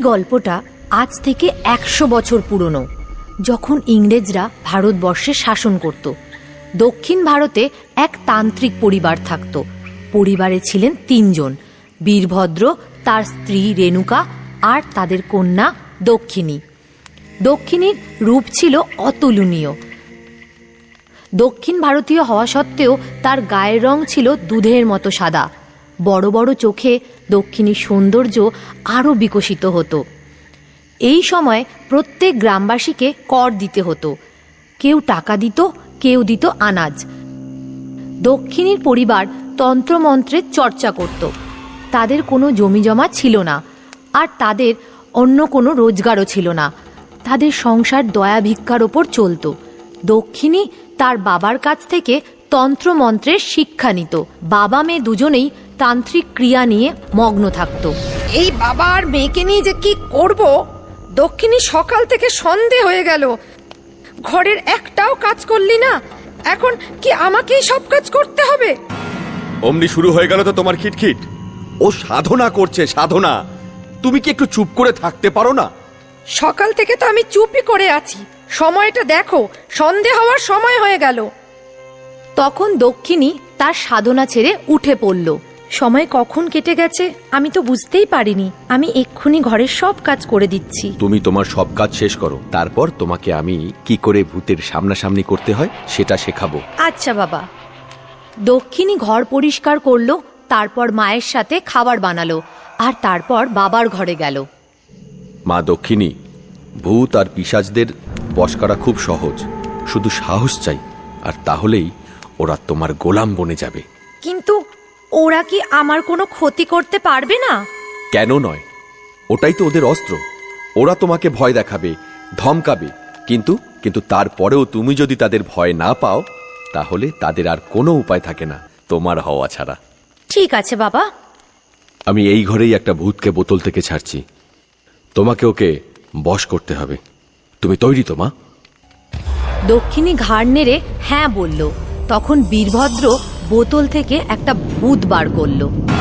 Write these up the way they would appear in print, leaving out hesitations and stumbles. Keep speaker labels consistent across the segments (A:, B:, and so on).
A: গল্পটা আজ থেকে 100 বছর পুরনো, যখন ইংরেজরা ভারতবর্ষে শাসন করত। দক্ষিণ ভারতে এক তান্ত্রিক পরিবার থাকত। পরিবারে ছিলেন 3 জন, বীরভদ্র, তার স্ত্রী রেণুকা আর তাদের কন্যা দক্ষিণী। দক্ষিণীর রূপ ছিল অতুলনীয়। দক্ষিণ ভারতীয় হওয়া সত্ত্বেও তার গায়ের রং ছিল দুধের মতো সাদা। বড় বড় চোখে দক্ষিণীর সৌন্দর্য আরও বিকশিত হতো। এই সময় প্রত্যেক গ্রামবাসীকে কর দিতে হতো। কেউ টাকা দিত, কেউ দিত আনাজ। দক্ষিণীর পরিবার তন্ত্রমন্ত্রের চর্চা করত। তাদের কোনো জমিজমা ছিল না, আর তাদের অন্য কোনো রোজগারও ছিল না। তাদের সংসার দয়া ভিক্ষার ওপর চলত। দক্ষিণী তার বাবার কাছ থেকে তন্ত্রমন্ত্রের শিক্ষা নিত। বাবা মেয়ে দুজনেই তান্ত্রিক ক্রিয়া নিয়ে মগ্ন থাকত।
B: এই বাবা আর মেয়েকে নিয়ে যে কি করব, দক্ষিণী সকাল থেকে সন্ধে হয়ে গেল, ঘরের একটাও কাজ করলি না। এখন কি আমাকেই সব কাজ করতে হবে?
C: অমনি শুরু হয়ে গেল তো তোমার খিটখিট। ও সাধনা করছে, সাধনা। তুমি কি একটু চুপ করে থাকতে পারো না?
B: সকাল থেকে তো আমি চুপই করে আছি। সময়টা দেখো, সন্ধে হওয়ার সময় হয়ে গেল।
A: তখন দক্ষিণী তার সাধনা ছেড়ে উঠে পড়ল। সময় কখন কেটে গেছে আমি তো বুঝতেই পারিনি। আমি এক্ষুনি ঘরের সব কাজ করে দিচ্ছি।
C: তুমি তোমার সব কাজ শেষ করো, তারপর তোমাকে আমি কি করে ভূতের সামনাসামনি করতে হয় সেটা শেখাবো।
A: আচ্ছা বাবা। দক্ষিণী ঘর পরিষ্কার করলো, তারপর মায়ের সাথে খাবার বানালো, আর তারপর বাবার ঘরে গেল।
C: মা দক্ষিণী, ভূত আর পিশাচদের বশ করা খুব সহজ, শুধু সাহস চাই, আর তাহলেই ওরা তোমার গোলাম বনে যাবে।
A: কিন্তু ওরা কি আমার কোনো ক্ষতি করতে পারবে না?
C: কেন নয়, ওটাই তো ওদের অস্ত্র। ওরা তোমাকে ভয় দেখাবে, ধমকাবে, কিন্তু তারপরেও তুমি যদি তাদের ভয় না পাও, তাহলে তাদের আর কোনো উপায় থাকে না তোমার হওয়া ছাড়া।
A: ঠিক আছে বাবা।
C: আমি এই ঘরেই একটা ভূতকে বোতল থেকে ছাড়ছি। তোমাকে ওকে বশ করতে হবে। তুমি তৈরি তো মা?
A: দক্ষিণী ঘাড় নেড়ে হ্যাঁ বলল। তখন বীরভদ্র বোতল থেকে একটা ভূত বার করল।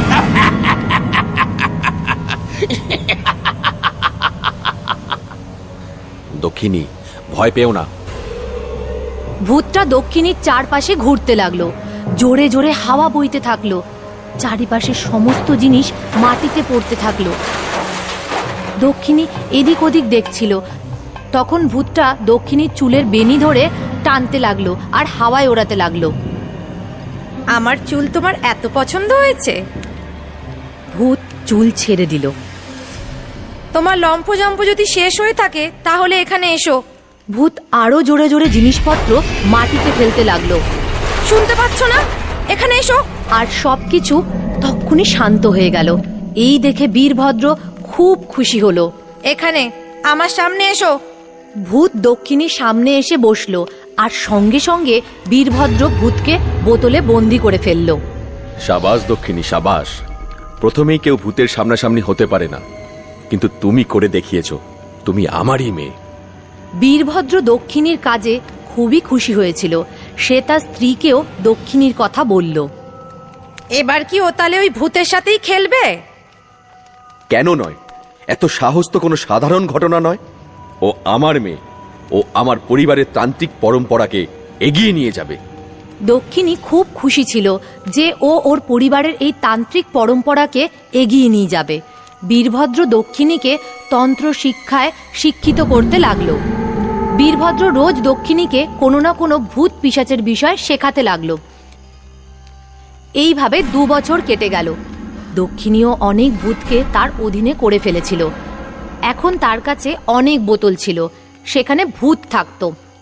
C: দক্ষিণী, ভয় পেও না।
A: ভূতটা দক্ষিণীর চারপাশে ঘুরতে লাগলো। জোরে জোরে হাওয়া বইতে থাকলো। চারিপাশে সমস্ত জিনিস মাটিতে পড়তে থাকলো। দক্ষিণী এদিক ওদিক দেখছিল। তখন ভূতটা দক্ষিণীর চুলের বেনি ধরে টানতে লাগলো আর হাওয়ায় ওড়াতে লাগলো।
B: আমার চুল তোমার এত পছন্দ হয়েছে?
A: ভূত চুল ছেড়ে দিল।
B: তোমার লম্ফজম্প যদি শেষ হয়ে থাকে তাহলে এখানে এসো।
A: ভূত আরো জোরে জোরে জিনিসপত্র মাটিতে ফেলতে লাগলো।
B: শুনতে পাচ্ছ না? এখানে এসো।
A: আর সবকিছু তক্ষুনি শান্ত হয়ে গেল। এই দেখে বীরভদ্র খুব খুশি হলো।
B: এখানে আমার সামনে এসো।
A: ভূত দক্ষিণীর সামনে এসে বসলো, আর সঙ্গে সঙ্গে বীরভদ্র ভূতকে বোতলে বন্দি করে ফেলল।
C: সাবাস দক্ষিণী, সাবাস। প্রথমেই কেউ ভূতের সামনাসামনি হতে পারে না, কিন্তু তুমি করে দেখিয়েছো। তুমি আমারই মেয়ে।
A: বীরভদ্র দক্ষিণীর কাজে খুবই খুশি হয়েছিল। সে তার স্ত্রীকেও দক্ষিণীর কথা বলল।
B: এবার কি ও তাহলে ওই ভূতের সাথেই খেলবে?
C: কেন নয়? এত সাহস তো কোনো সাধারণ ঘটনা নয়। ও আমার মেয়ে। ও আমার পরিবারের তান্ত্রিক পরম্পরাকে এগিয়ে নিয়ে যাবে।
A: দক্ষিণী খুব খুশি ছিল যে ও ওর পরিবারের এই তান্ত্রিক পরম্পরাকে এগিয়ে নিয়ে যাবে। বীরভদ্র দক্ষিণীকে তন্ত্র শিক্ষায় শিক্ষিত করতে লাগলো। বীরভদ্র রোজ দক্ষিণীকে কোনো না কোনো ভূত পিশাচের বিষয় শেখাতে লাগলো। এইভাবে 2 বছর কেটে গেল। দক্ষিণীও অনেক ভূতকে তার অধীনে করে ফেলেছিল। এখন তার কাছে অনেক বোতল ছিল, সেখানে ভূত থাকত।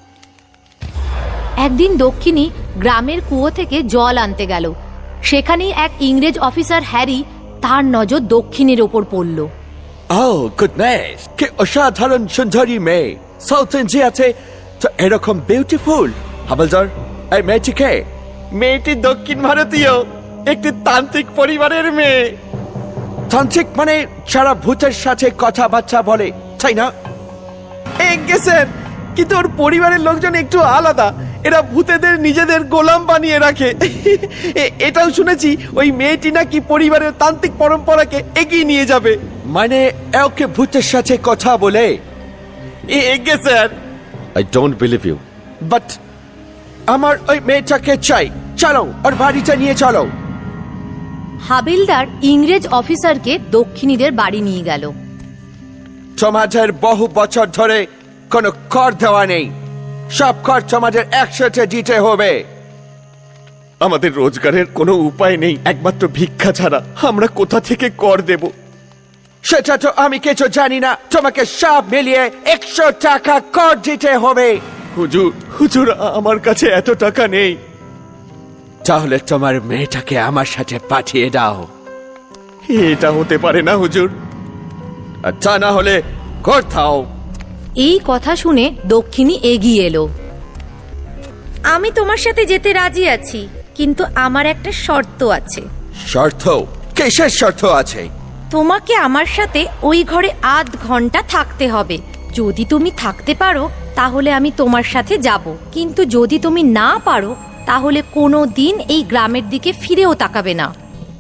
A: একদিন দক্ষিণী গ্রামের কুয়ো থেকে জল আনতে গেল। সেখানেই এক ইংরেজ অফিসার হ্যারি, তার নজর দক্ষিণীর ওপর পড়ল।
D: Oh, goodness! কি অসাধারণ সুন্দরী মেয়ে! সাউথ ইন্ডিয়াতে তো এরকম বিউটিফুল। হাবলদার, এই মেয়েটিকে?
E: মেয়েটি দক্ষিণ ভারতীয়, একটি তান্ত্রিক পরিবারের মেয়ে।
D: তান্ত্রিক মানে যারা ভূতের সাথে কথাবার্তা বলে, তাই না?
E: স্যার, কিন্তু ওর পরিবারের লোকজন একটু আলাদা। এরা ভূতেদের নিজেদের গোলাম বানিয়ে রাখে। এটাও শুনেছি ওই মেয়েটি নাকি পরিবারের তান্ত্রিক পরম্পরাকে এগিয়ে নিয়ে যাবে।
D: মানে ওকে ভূতের সাথে কথা বলে?
E: এগে sir.
C: I don't believe you.
D: But আমার ওই মেয়েটাকে চাই, চলো ওর বাড়িতে নিয়ে চলো।
A: হাবিলদার ইংরেজ অফিসারকে দক্ষিণীদের বাড়ি নিয়ে গেল।
D: তোমাদের বহু বছর ধরে কোনো কর দেওয়া নেই, সব কর তোমাদের একসাথে দিতে হবে।
E: আমাদের রোজগারের কোনো উপায় নেই, একমাত্র ভিক্ষা ছাড়া। আমরা কোথা থেকে কর দেব?
D: সেটা তো আমি কিছু জানি না, তোমাকে সব মিলিয়ে 100 টাকা কর দিতে হবে।
E: হুজুর, হুজুর আমার কাছে এত টাকা নেই।
D: তাহলে তোমার মেয়েটাকে আমার সাথে পাঠিয়ে দাও।
E: এটা হতে পারে না হুজুর।
D: আর তা না হলে কর দাও।
A: এই কথা শুনে দক্ষিণী এগিয়ে এলো।
B: আমি তোমার সাথে যেতে রাজি আছি, কিন্তু আমার একটা শর্ত আছে।
D: শর্ত? কিসের শর্ত আছে?
B: তোমাকে আমার সাথে ওই ঘরে 8 ঘন্টা থাকতে হবে। যদি তুমি থাকতে পারো তাহলে আমি তোমার সাথে যাব, কিন্তু যদি তুমি না পারো তাহলে কোনো দিন এই গ্রামের দিকে ফিরেও তাকাবে না।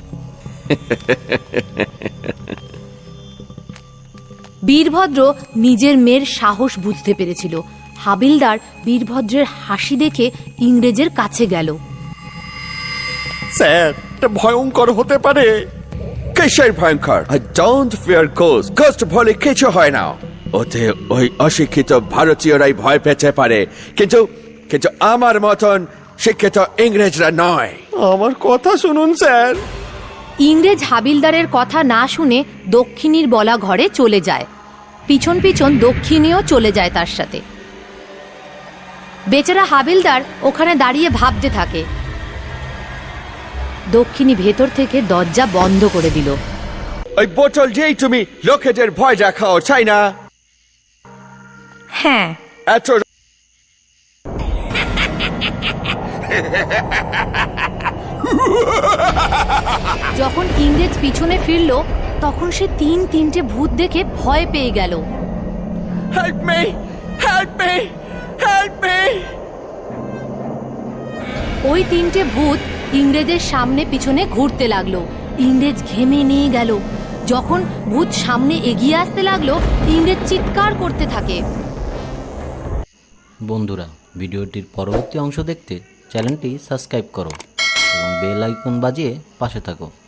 A: বীরভদ্র নিজের মেয়ের সাহস বুঝতে পেরেছিল। হাবিলদার বীরভদ্রের হাসি দেখে ইংরেজের কাছে গেল।
E: স্যার, এটা ভয়ঙ্কর হতে পারে।
D: কিসের ভয়ঙ্কর? I don't fear ghosts. Ghost বলে কিছু হয় না। ওতে ওই অশিক্ষিত ভারতীয়রাই ভয় পেতে পারে, কিন্তু কিন্তু আমার মতন শিক্ষিত ইংরেজরা নয়।
E: আমার কথা শুনুন স্যার।
A: ইংরেজ হাবিলদারের কথা না শুনে দক্ষিণীর বলা ঘরে চলে যায়। পিছন পিছন দক্ষিণীও চলে যায় তার সাথে। বেচারা হাবিলদার ওখানে দাঁড়িয়ে ভাবতে থাকে। দক্ষিণী ভেতর থেকে দরজা বন্ধ করে দিল।
D: ওই বোতল দিয়েই তুমি লোকেদের ভয় দেখাও, চাই না?
B: হ্যাঁ,
D: এত
A: যখন ইংরেজ পিছনে ফিরল তখন সে তিনটে ভূত দেখে ভয় পেয়ে গেল।
D: Help me, help me, help me.
A: ওই তিনটে ভূত ইংরেজের সামনে পিছনে ঘুরতে লাগলো। ইংরেজ ঘেমে নিয়ে গেল। যখন ভূত সামনে এগিয়ে আসতে লাগলো, ইংরেজ চিৎকার করতে থাকে।
F: বন্ধুরা, ভিডিওটির পরবর্তী অংশ দেখতে চ্যানেলটি সাবস্ক্রাইব করো এবং বেল আইকন বাজিয়ে পাশে থাকো।